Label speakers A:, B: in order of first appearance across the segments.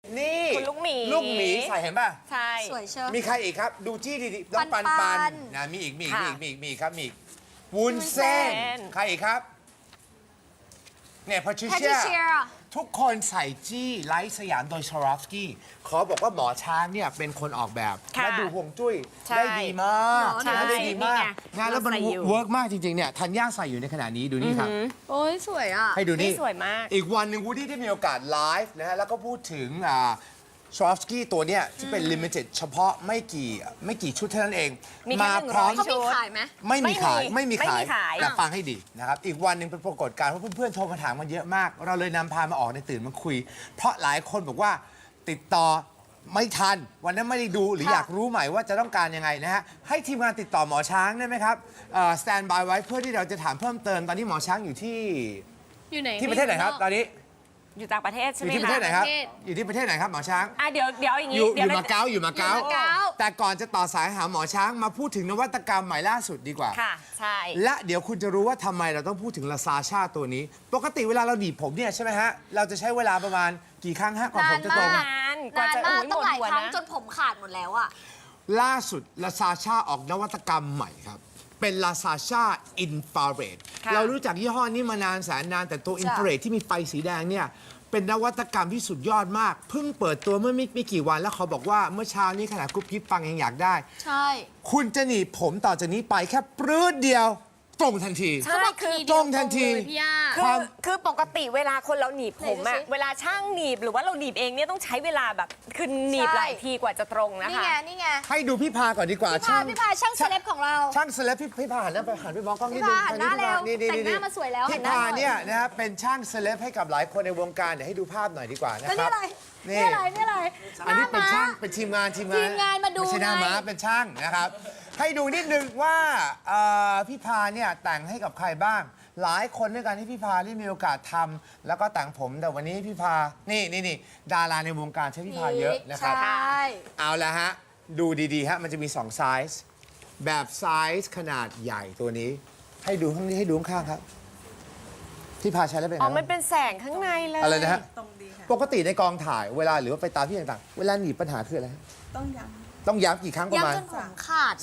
A: นี่
B: คุณลูกหมี
A: ลูกหมีใส่เห็นป่ะ
B: ใช่
C: สวยเชียว
A: มีใครอีกครับ ดูจี้ดีๆน้องปัน
C: ปั
A: ปั
C: น
A: นนะมีอีกครับมีอีกวุ้น
B: วุ้นเส้
A: เส้น
B: น
A: ใครอีกครับเนี่ยพาทริ
C: แพท
A: เชี
C: ริ
A: ย
C: เชีย
A: ทุกคนใส่จี้ไลท์สยามโดยชารอฟสกี้ขอบอกว่าหมอช้างเนี่ยเป็นคนออกแบบ
B: ค่ะ
A: และดูห่วงจุ้ย
B: ใช่
A: ได้ดีมาก
B: ใช่
A: นะได้ดีมาก
B: นี่ไง
A: นะแล้วมัน
B: เราใส่อยู่
A: เวิร์กมากจริงๆเนี่ยธัญญาใส่อยู่ในขณะนี้ดูนี่ครับ
C: โอ้ยสวยอ่ะ
A: ให้ดูนี่
B: นี่สวยมาก
A: อีกวันหนึ่งวูดดี้ได้มีโอกาสไลฟ์นะฮะแล้วก็พูดถึงชอฟสกี้ตัวเนี้ยที่เป็นลิมิเต็ดเฉพาะไม่กี่ชุดเท่านั้นเอง
B: มีแค่
A: พร้อม
B: 100
C: เขามีขายไหม
A: ไม่มีขาย
B: ไม่มีขาย
A: แต่ฟังให้ดีนะครับ อีกวันหนึ่งเป็นปรากฏการณ์เพราะเพื่อนๆโทรมาถามมาเยอะมาก เราเลยนำพามาออกในตื่นมาคุย เพราะหลายคนบอกว่าติดต่อไม่ทัน วันนั้นไม่ได้ดูหรือ
C: ค่ะ
A: อยากรู้ใหม่ว่าจะต้องการยังไงนะฮะให้ทีมงานติดต่อหมอช้างได้ไหมครับสแตนบายไว้เพื่อที่เราจะถามเพิ่มเติมตอนนี้หมอช้างอยู่ที่
C: อยู่ไหน
A: ที่ประเทศไหนครับตอนนี้
B: อยู่ต่างประเทศ
A: อ
B: ใช่ไหม
A: ยู่ที่ประเทศไหนครับ
C: ประเทศ
A: อยู่ที่ประเทศไหนครับหมอช้าง
B: เดี๋ยวอย่าง
A: อ
B: นี้
A: ยู่
B: เดี๋ยว
A: มาเก๊าอยู่มาเก๊า
C: อยู่มาเก๊า
A: แต่ก่อนจะต่อสายหาหมอช้างมาพูดถึงนวัตกรรมใหม่ล่าสุดดีกว่า
B: ค่ะ ใช่
A: และเดี๋ยวคุณจะรู้ว่าทำไมเราต้องพูดถึงลาซาชาตัวนี้ ปกติเวลาเราหนีบผมเนี่ยใช่ไหมฮะ เราจะใช้เวลาประมาณกี่ครั้งฮะก่อนผมจะตรง
B: นานกว่าจะ
C: นานมาก
B: โอ้ย
C: ต้องหลาย
B: หมด
C: ครั้ง
B: หัวนะ
C: จนผมขาดหมดแล้วอ่ะ
A: ล่าสุดลาซาชาออกนวัตกรรมใหม่ครับ เป็นลาซาชาอินฟราเรด
B: ค่ะ
A: เรารู้จักยี่ห้อนี้มานานแสนนานแต่ตัวอินฟราเรดที่มีไฟสีแดงเนี่ยเป็นนวัตกรรมที่สุดยอดมาก เพิ่งเปิดตัวเมื่อไม่กี่วันแล้วเขาบอกว่าเมื่อเช้านี้ขณะกุ๊บกิ๊บฟังยังอยากได้
C: ใช่
A: คุณจะหนีบผมต่อจากนี้ไปแค่ปรื้ดเดียวตรงทันที
B: ใช่คือ
A: ตรงทันที
C: เลยพี่ย่า
B: คือปกติเวลาคนเราหนีบผม
C: ไหน
B: อะ
C: ดูสิ
B: เวลาช่างหนีบหรือว่าเราหนีบเองเนี่ยต้องใช้เวลาแบบคือหนีบ
C: ใช่
B: หลายทีกว่าจะตรงนะ
C: นี่
B: คะ
C: ไง นี่ไง
A: ให้ดูพี่พาก่อนดีกว่า
C: พี่พาช่างเซเลบของเรา
A: ช่างเซเลบพี่พาหันไปมองกล้องนิดนึง
C: พี่พาหันหน้าเร็ว
A: นี่
C: แต่งหน้ามาสวยแล้วหั
A: พี่
C: นหน้า
A: พา
C: หน่อย
A: เนี่ยนะครับเป็นช่างเซเลบให้กับหลายคนในวงการเดี๋ยวให้ดูภาพหน่อยดีกว่านะ
C: แล้ว
A: ค
C: นี่
A: รับ
C: อะไร นี่อะไร นี่อะไร
A: อันนี้เป็น
C: หา
A: ช่าง
C: ม้
A: เป็นทีมงาน
C: ทีมงานมาดู
A: ไม่ใช่หน้า
C: ไง
A: ม้าเป็นช่างนะครับ ให้ดูนิดนึงว่าพี่พาเนี่ยแต่งให้กับใครบ้าง หลายคนด้วยกันที่พี่พาได้มีโอกาสทำแล้วก็แต่งผมแต่วันนี้พี่พานี่ดาราในวงการใช้พี่พาเยอะนะครับ
C: ใช่
A: เอาละฮะ ดูดีๆฮะมันจะมี 2 ไซส์แบบไซส์ขนาดใหญ่ตัวนี้ ให้ดูข้างนี้ให้ดูข้างๆครับ พี่พาใช้แล้วเป็นไง
B: อ๋อ มัน
A: บ้าง
B: เป็นแสงข้างในเลย
A: อะไรนะฮะปกติในกองถ่ายเวลาหรือว่าไปตามที่ต่างๆ เวลาหนีบปัญหาคืออะไรฮะ
D: ต้องย้
A: ต้องย้ำกี่ครั้งประมาณ
C: ย้ำจนผมขาด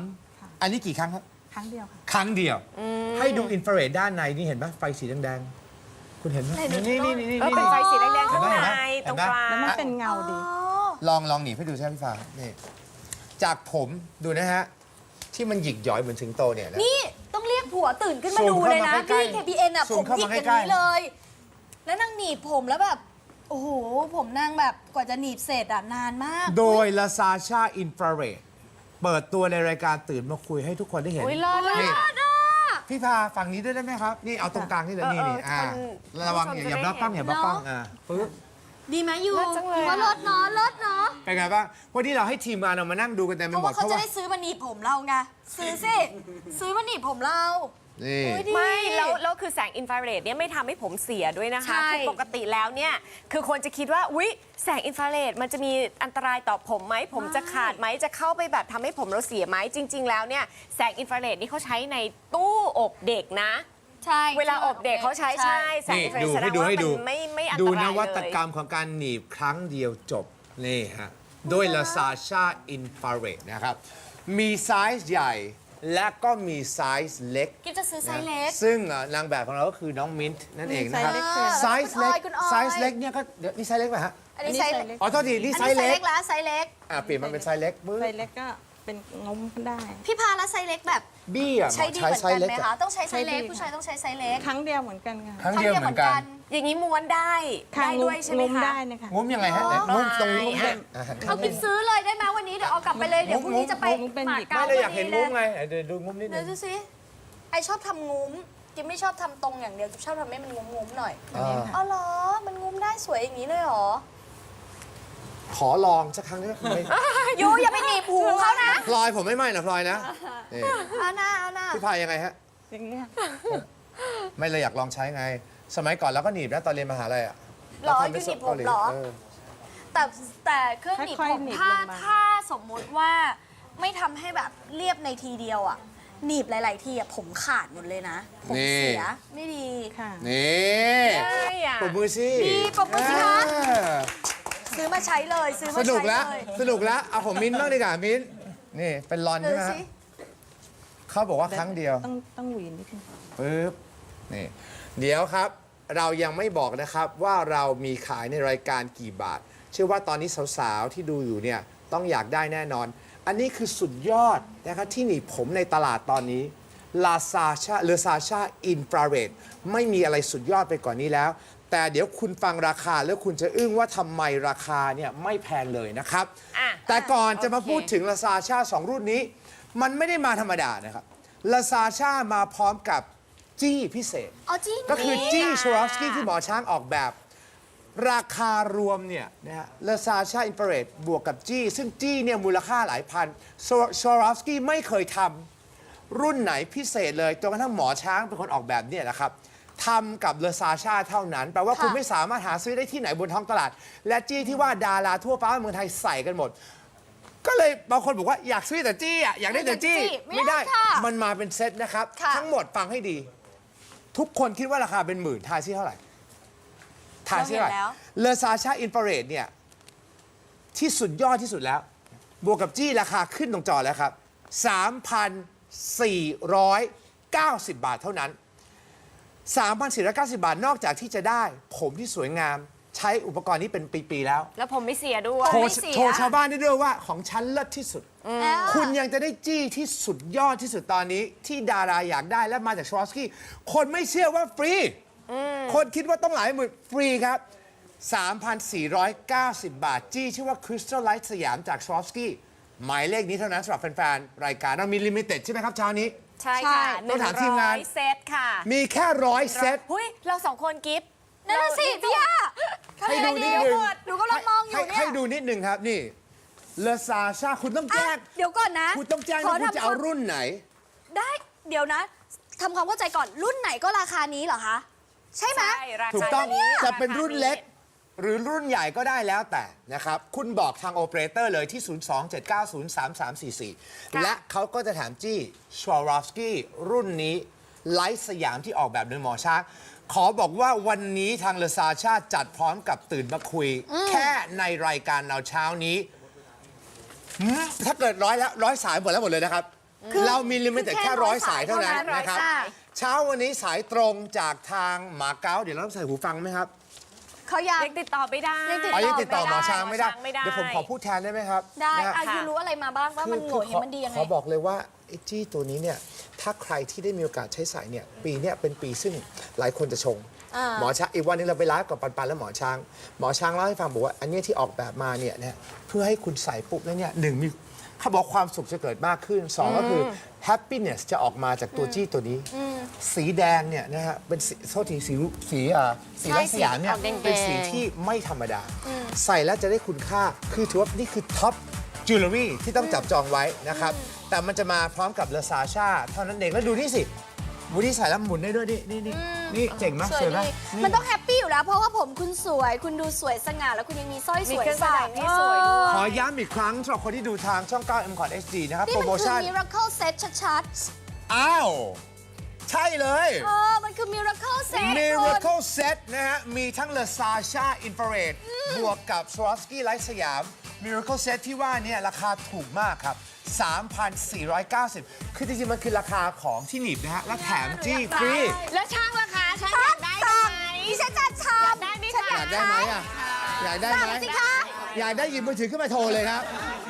A: 3 อันนี้กี่ครั้งครับ
D: ำครั้งเดียวค่ะ
A: ครั้งเดียว ให้ดูอินฟราเรดด้านในนี่เห็นไหมไฟสีแดงๆคุณเห็นไหมนี่
B: เป็นไฟสีแดงๆข้างใน
A: เห็
B: ต
A: น
B: รง
A: ไหม
B: กลาง
D: แล้วมันเป็นเงาดี
A: ลองหนีบให้ดูใช่ไหมพี่ฟ้านี่จากผมดูนะฮะที่มันหยิกหย้อยเหมือนสิงโตเนี่ยนะ
C: นี่ต้องเรียกผัวตื่นขึ้นมา
A: ซูม
C: ดูเลยนะ
A: เข้ามาใกล้
C: พี่
A: ๆ
C: KPN อ่ะ
A: ซู
C: ผม ม
A: เข้า
C: หยิ
A: มาก
C: อย่าง
A: ใกล้ๆ
C: นี้เลย แล้วนางหนีบผมแล้วแบบ โอ้โห ผมนางแบบกว่าจะหนีบเสร็จอ่ะนานมาก
A: โดยลาซาชาอินฟราเรดเปิดตัวในรายการตื่นมาคุยให้ทุกคนได้เห็น
B: อุ้ยรอด
A: นี่
B: อะ
A: พี่พาฝั่งนี้ด้วยได้ไหมครับ นี่เอาตรงกลางนี่เลยนี่
B: คน
A: ระวัง
B: ผู้ชม
A: อย่า
B: จะ
A: บล็อกกล้อง
B: ได้
A: อย่าบล็อกกล้อง
C: เนอะ
A: ปึ๊บ
C: ดีไหมยู
B: เลิศจังเลย
C: ว่า
B: อะ
C: เลิศเนาะเลิศเนาะ
A: เป็นไงบ้างวันนี้เราให้ทีมงานเรามานั่งดูกันเต็ม
C: เพ
A: ไป
C: ราะ
A: หมด
C: ว่าเขาจะได้ซื้อมาหนีบผมเราไง ซื้อสิ ซื้อมาหนีบผมเรา
A: นี่
C: โอ้ยดี
B: ไม่แล้วคือแสงอินฟราเรดเนี่ยไม่ทำให้ผมเสียด้วยนะคะ
C: ใช่
B: คือปกติแล้วเนี่ยคือคนจะคิดว่าอุ๊ยแสงอินฟราเรดมันจะมีอันตรายต่อผมไหมผมจะขาดไหมจะเข้าไปแบบทำให้ผมเราเสียไหมจริง ๆ แล้วเนี่ยแสงอินฟราเรดนี่เขาใช้ในตู้อบเด็กนะ
C: ใช่
B: เวลาอบเด็กเขาใช้ใช่แสง
A: นี่
B: อินฟราเร
A: ดู
B: ดแสด
A: ให้
B: ง
A: ดู
B: ว่า
A: ให้ดู
B: มันไม่อันต
A: ดู
B: ราย
A: นวัต
B: เลย
A: กรรมของการหนีบครั้งเดียวจบนี่ฮะด้วยลาซาชาอินฟราเรดนะครับมีไซส์ใหญ่และก็มีไซส์เล็ก
C: กิ๊บจะซื้อไซส์เล็ก
A: ซึ่งนางแบบของเราก็คือน้องมิ้นท์นั่นเองนะครับ
D: ไซส์เล็ก
A: ไซส์เล็ก
C: คุณออย
A: ไซส์เล็กเนี่ยก็เดี๋ยวนี่ไซส์เล็กป่ะฮะ
C: อันนี้ไซส์
D: อันนี้ไซส์เล็ก
A: อ๋อโทษทีนี่
C: อัน
A: ไซ
C: นี้
A: ส์
C: ไซส์
A: เล็
C: เล็
A: ก
C: กแล้วไซส์เล็ก
A: เปลี่ยนมาเป็นไซส์เล็กปึ๊บ
D: ไซส์เล็กก็เป็นงมได้
C: พี่พาแล้วไซส์เล็กแบบ
A: บี้อ่ะ
C: ใช้ดีเหมือน
A: ไซ
C: กัน
A: ส์เล็ก
C: ไหม
A: อะ
C: คะ ต้องใช้ไซส์เล็ก
D: ใช้ดี
C: ผู้ชายต้องใช้ไซส์เล็ก
D: ครั้งเดียวเหมือนกันค่ะ
A: ครั้งเดียวเหมือนกัน
B: อย่างนี้ม้วนได้ได้ด้วยใช่ไหม
D: งม
B: คะ
D: ได้นะคะ
A: งุ้มยังไงฮะไหนงุ้มตรงนี้
B: ได้
A: หัน
C: เอากินซื้อเลยได้ไหมวันนี้เดี๋ยวเอากลับไปเลยเดี๋ยวพรุ่งนี้จะไป
D: งุ้มเป็น
C: หมา
D: หยิบ
C: เก๊า
A: ไม่ได้อยากเห็น
C: พ
A: งุ้
C: อ
A: ม
C: ดี
A: ไงเดี๋ยวดูงุ้มนิดนึ
C: เดี๋ยว
A: ง
C: ดูสิไอชอบทำงุ้มกินไม่ชอบทำตรงอย่างเดียวกินชอบทำให้มันงุ้มๆหน่อย
A: อ่า
C: อ๋อเหรอมันงุ้มได้สวยอย่างนี้เลยเหรอ
A: ขอลองสักครั้งได้ไหม
C: ยูอย่าไปหนีบหูเขานะ
A: พลอยผมไม่ไหม้นะพลอยนะนี่
C: เอาหน้าเอาหน้า
A: พี่พายยังไงฮะ
D: อย่างนี้ค่ะ
A: ไม่เลยอยากลองใช้ไง สมัยก่อนเราก็หนีบนะตอนเรียนมหาลัยอ่ะ
C: หรอ
A: เาทำ
C: ยู
A: เป็น
C: หนีบผมเหรอ
A: เออ
C: แต่เครื่องหนีบ
D: ค่อย
C: ผ
D: ๆ
C: ม
D: หนีบ
C: ถ้า
D: ลงมา
C: ถ้าสมมุติว่าไม่ทำให้แบบเรียบในทีเดียวอ่ะหนีบหลาย ๆ ทีอ่ะผมขาดหมดเลยนะ ผมเสียไม่ดี
D: ค่ะ
A: นี่
B: ใช่อะ
A: ปรบมือสิ
C: ดีปรบมือสิคะ
A: เออ
C: ซื้อมาใช้เลยซื้อ
A: ส
C: มา
A: นุก
C: ใช้
A: แล้ว
C: เลย
A: สนุกแล้วเอาของมิ้นท์บ้างดีกว่ามิ้นท์นี่เป็นลอน
C: ดู
A: ใช่ไหมฮะ
C: สิ
A: เขาบอกว่าครั้งเดียว
D: ต้องหวีนิดนึง
A: ปึ๊บนี่เดี๋ยวครับเรายังไม่บอกนะครับว่าเรามีขายในรายการกี่บาท เชื่อว่าตอนนี้สาวๆที่ดูอยู่เนี่ยต้องอยากได้แน่นอน อันนี้คือสุดยอดนะครับที่หนีบผมในตลาดตอนนี้ลาซาชาซาชาอินฟราเรดไม่มีอะไรสุดยอดไปกว่านี้แล้ว แต่เดี๋ยวคุณฟังราคาแล้วคุณจะอึ้งว่าทำไมราคาเนี่ยไม่แพงเลยนะครับ
B: อ่ะ
A: แต่ก่อนจะมา
B: โอเค
A: พูดถึงลาซาชา2รุ่นนี้ มันไม่ได้มาธรรมดานะครับลาซาชามาพร้อมกับจี้พิเศษ
C: เอาจริง
A: ก็คือ
C: นี่
A: จี้ชวรอฟสกี้ที่หมอช้างออกแบบ ราคารวมเนี่ยนะฮะลาซาชาอินฟราเรดบวกกับจี้ซึ่งจี้เนี่ยมูลค่าหลายพันชวรอฟสกี้ไม่เคยทำรุ่นไหนพิเศษเลยจนกระทั่งหมอช้างเป็นคนออกแบบเนี่ยนะครับทำกับลาซาชาเท่านั้นแปลว่าคุณไม่สามารถหาซื้อได้ที่ไหนบนท้องตลาด และจี้ที่ว่าดาราทั่วฟ้าเมืองไทยใส่กันหมด ก็เลยบางคนบอกว่าอยากซื้อแต่จี้อ่ะอยากได้แต่จี้
C: ไม่ได้ค่ะ
A: มันมาเป็นเซตนะครับ
C: ค่ะ
A: ทั้งหมดฟังให้ดี ทุกคนคิดว่าราคาเป็นหมื่นทายซิเท่าไหร่ทายซิเท่าไหร่เลซาชาอินฟราเรดเนี่ยที่สุดยอดที่สุดแล้ว บวกกับจี้ราคาขึ้นตรงจอแล้วครับ 3,490 บาทเท่านั้น 3,490 บาทนอกจากที่จะได้ผมที่สวยงามใช้อุปกรณ์นี้เป็นปีๆแล้ว
B: แล้วผมไม่เสียด้วย
A: โทรชาวบ้านได้ด้วยว่าของฉันเลิศที่สุด คุณยังจะได้จี้ที่สุดยอดที่สุดตอนนี้ ที่ดาราอยากได้และมาจากชวอฟสกี้คนไม่เชื่อว่าฟรี คนคิดว่าต้องหลายหมื่นฟรีครับ 3,490 บาท จี้ชื่อว่า Crystal Light สยามจากชวอฟสกี้หมายเลขนี้เท่านั้นสำหรับแฟนๆ รายการเรามีลิมิเต็ดใช่ไหมครับเช้านี้
B: ใช่ค่ะ
A: ต้องถามทีมงาน
B: 100 เซตค่ะ
A: มีแค่ 100 เซต
B: หุ้ยเราสองคนกิฟต์
C: นั่นนะสิพี่ย่า
A: ให้ดูนิดนึง
C: หนูกำลังมองอยู่เนี่ย
A: ให้ดูนิดนึงครับนี่เลซาชาคุณต้องแจ้ง
C: เดี๋ยวก่อนนะ
A: คุณต้องแจ้ง
C: ข
A: ว่าคุณจะเอา
C: ทำควม
A: รุ่นไหน
C: ได้เดี๋ยวนะทำความเข้าใจก่อนรุ่นไหนก็ราคานี้เหรอคะ ใช่ไหม
B: ใช่ราคา
A: ถูกต้อง
B: นี้
A: จะเป็นรุ่นเล็ก หรือรุ่นใหญ่ก็ได้แล้วแต่นะครับ คุณบอกทางโอเปอเรเตอร์เลยที่ 027903344 และเขาก็จะถามจี้ชวารอฟสกี้รุ่นนี้ไลท์สยามที่ออกแบบโดยหมอช้าง ขอบอกว่าวันนี้ทางเลซาชาจัดพร้อมกับตื่นมาคุย แค่ในรายการเราเช้านี้ ถ้าเกิดร้อยสายหมดเลยนะครับ เรามีลิมิตแต่แค่ร้อยสายเท่านั้นนะครับ เช้าวันนี้สายตรงจากทางหมาเก๊าเดี๋ยวเราต้องใส่หูฟังไหมครับ
C: เขาอยาก
B: ยังติดต่อไม่ได้
C: ยังติดต่อ
A: ยังติดต่อหมอช้างไม่ได้
B: ไม่ได้
A: เดี๋ยวผมขอพูดแทนได้ไหมครับ
C: ได้
A: นะฮะ
C: อายุรู้อะไรมาบ้างว่ามันโหมดนี้มันดียังไง
A: ขอบอกเลยว่าไอ้จี้ตัวนี้เนี่ยถ้าใครที่ได้มีโอกาสใช้สายเนี่ยปีเนี้ยเป็นปีซึ่งหลายคนจะชง หมอช้างอีกวันนึงเราไปไลฟ์กับปันและหมอช้างเล่าให้ฟังบอกว่าอันเนี้ยที่ออกแบบมาเนี่ยนะเพื่อให้คุณใส่ปุ๊บแล้วเนี่ยหนึ่งมีเขาบอกความสุขจะเกิดมากขึ้นสองก็คือ happiness จะออกมาจากตัวจี้ตัวนี้ สีแดงเนี่ยนะฮะเป็นสีโทษทีสีไร้สยามเนี่ย
B: ใช่สีออกแดงๆ
A: เป็นสีที่ไม่ธรรมดา ใส่แล้วจะได้คุณค่าคือถือว่านี่คือท็อปจิวเวลรี่ที่ต้องจับจองไว้นะครับ แต่มันจะมาพร้อมกับเลซาชาเท่านั้นเองแล้วดูนี่สิบูดี้ใส่แล้วหมุนได้ด้วยนี่เจ๋งมาก
C: สวย
A: สวยไหม
C: ดี
A: นี่
C: มันต้องแฮปปี้อยู่แล้ว เพราะว่าผมคุณสวย คุณดูสวยสง่าแล้วคุณยังมีสร้อยส
B: มี
C: วย
B: เครื่องประ
C: ใส่
B: ดับที่สวยด้วย
A: ขอย้ำอีกครั้งสำหรับคนที่ดูทางช่อง 9 M c o t HD นะครับ
C: นี่
A: โปร
C: มัน
A: โม
C: คือ
A: ชั่น
C: Miracle Set ชัด
A: อ้าว ใช่เลย
C: ๆมันคือ Miracle Set คุณ
A: Miracle Set นะฮะ มีทั้งเลซาชาอินฟราเรดบวกกับ Swarovski ไลท์สยาม Miracle Set ที่ว่าเนี่ยราคาถูกมากครับ 3,490 คือจริงๆ มันคือราคาของที่หนีบนะฮะ และแถมจี้ฟรี
B: แล้วช่างราคาช่างอยากได้ไหม
C: ดิฉันจะทำ
B: ได้ไหม
C: ฉัน
B: คะ
A: อยากได้ไหมอ่ะ อยากได้ไหม
C: สั่งสิคะ
A: อยากได้หยิบมือถือขึ้นมาโทรเลยครับ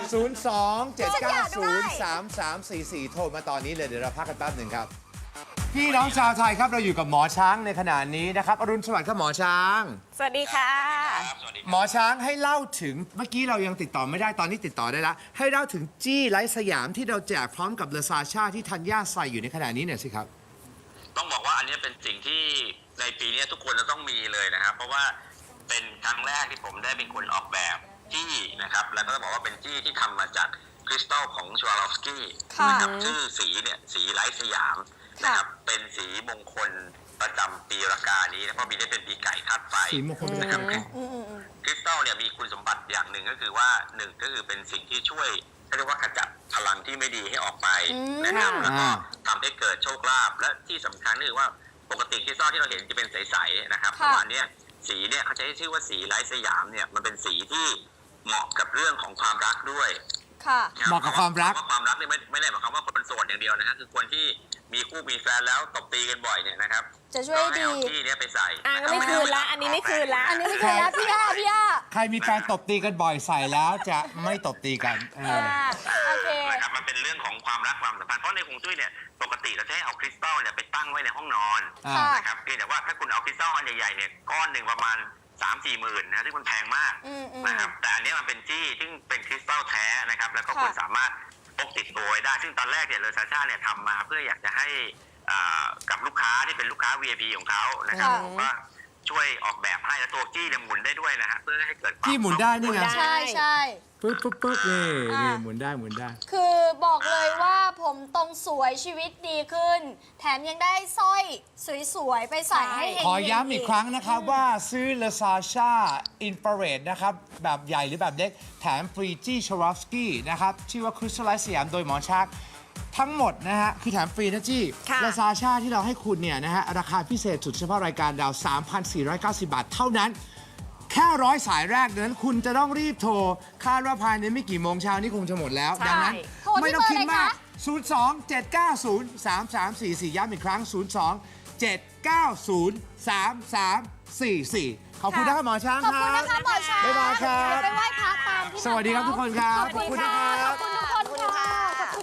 A: 02-790-3344 โทรมาตอนนี้เลย เดี๋ยวเราพักกันแป๊บหนึ่งครับ พี่น้องชาวไทยครับ เราอยู่กับหมอช้างในขณะนี้นะครับ อรุณสวัสดิ์ครับหมอช้าง
B: สวัสดีค่ะ
A: หมอช้างให้เล่าถึงเมื่อกี้เรายังติดต่อไม่ได้ตอนนี้ติดต่อได้แล้ว ให้เล่าถึงจี้ไลท์สยามที่เราแจกพร้อมกับเลซาชาที่ธัญญาใส่อยู่ในขณะนี้หน่อยสิครับ
E: ต้องบอกว่าอันนี้เป็นสิ่งที่ในปีนี้ทุกคนจะต้องมีเลยนะครับ เพราะว่าเป็นครั้งแรกที่ผมได้เป็นคนออกแบบจี้นะครับแล้วก็ต้องบอกว่าเป็นจี้ที่ทำมาจากคริสตัลของชวาลอฟสกี้นะครับชื่อสีเนี่ยสีไลท์สยามนะครับเป็นสีมงคลประจำปีรากานี้นะเพราะปีนี้เป็นปีไก่ธาตุไฟ
A: สีมงคลประจำปี
E: นะครับคริสตัลเนี่ยมีคุณสมบัติอย่างหนึ่งก็คือว่าหนึ่งก็คือเป็นสิ่งที่ช่วยเรียกว่าขจัดพลังที่ไม่ดีให้ออกไปนะครับแล้วก็ทำให้เกิดโชคลาภและที่สำคัญคือว่าปกติคริสตัลที่เราเห็นจะเป็นใสๆนะครับแต่ว่าอันเนี้ยสีเนี่ยเขาใช้ชื่อว่าสีไลท์สยามเนี่ยมันเป็นสีที่เหมาะกับเรื่องของความรักด้วย
C: ค่ะ
A: เหมาะกับความรัก
E: เพราะความรักเนี่ยไม่ได้หมายความว่าคนโสดอย่างเดียวนะฮะคือคนที่มีคู่มีแฟนแล้วตบตีกันบ่อยเนี่ยนะครับ
C: จะช่วย
E: ก็ให้
C: ดี
E: เอาที่เนี้ยไปใส่
B: อ่ะไม่คืนละ อันนี้ไม่คืนละ
C: อันนี้ไม่เคยแล้วพี่ย่า
A: ใครมีแฟนตบตีกันบ่อยใส่แล้วจะไม่ตบตีกัน
C: โอเค
E: นะครับมันเป็นเรื่องของความรักความสัมพันธ์เพราะในฮวงจุ้ยเนี่ยปกติเราจะให้เอาคริสตัลเนี่ยไปตั้งไว้ในห้องนอน
A: อ่า
E: นะครับเพียงแต่ว่าถ้าคุณเอาคริสตัลอันใหญ่ๆเนี่ยก้อนหนึ่งประมาณ 3-4 หมื่นนะที่มันแพงมากนะครับแต่อันนี้มันเป็นจี้ซึ่งเป็นคริสตัลแท้นะครับแล้วก็คุณสามารถพกติดตัวไว้ได้ซึ่งตอนแรกเนี่ยเลอซาชาเนี่ยทำมาเพื่ออยากจะให้กับลูกค้าที่เป็นลูกค้า VIP ของเขานะครับผมก็ช่วยออกแบบให้แล้วตัวจี้เนี่ยหมุนได้ด้วยนะฮะเพื่อให้เกิดความ
A: ที่หมุนได้นี่ไง
B: หมุนได้
C: ใช่ใช่
A: ปึ๊บปึ๊บปึ๊บนี่หมุนได้หมุนได้
C: คือบอกเลยว่าผมตรงสวยชีวิตดีขึ้น แถมยังได้สร้อยสวยๆ ไปใส่ให้เฮงๆ
A: ขอย้ำอีกครั้งนะครับว่าซื้อ l a s a s h a Infrared นะครับ แบบใหญ่หรือแบบเล็ก แถมฟรีจี้ชวอฟสกี้นะครับ ชื่อว่า Crystallize สยามโดยหมอชัก ทั้งหมดนะฮะ คือแถมฟรีนะจี้
B: ค่ะ
A: l a s a s h a ที่เราให้คุณเนี่ยนะฮะ ราคาพิเศษสุดเฉพาะรายการดาว 3,490 บาทเท่านั้น แค่100 สายแรกนั้นคุณจะต้องรีบโทร คาดว่าภายในไม่กี่โมงเช้านี้คงจะหมดแล้ว
B: ใช่
A: ดังนั้น
C: โทรที่
A: ไม่ต้องคิดมาก
C: เบอร์อะไรคะ
A: 02-790-3344 ย้ำอีกครั้ง 02-790-3344 ขอบคุณนะครับหมอช้าง
C: ขอบ
A: ค
C: คุณ
A: รับ
C: นะคะหมอช้าง
A: บ๊ายบายครับ
C: ไปไหว้พระตามที่
A: สวัสดีครับทุกคนครับ
C: ขอบคุณค่ะ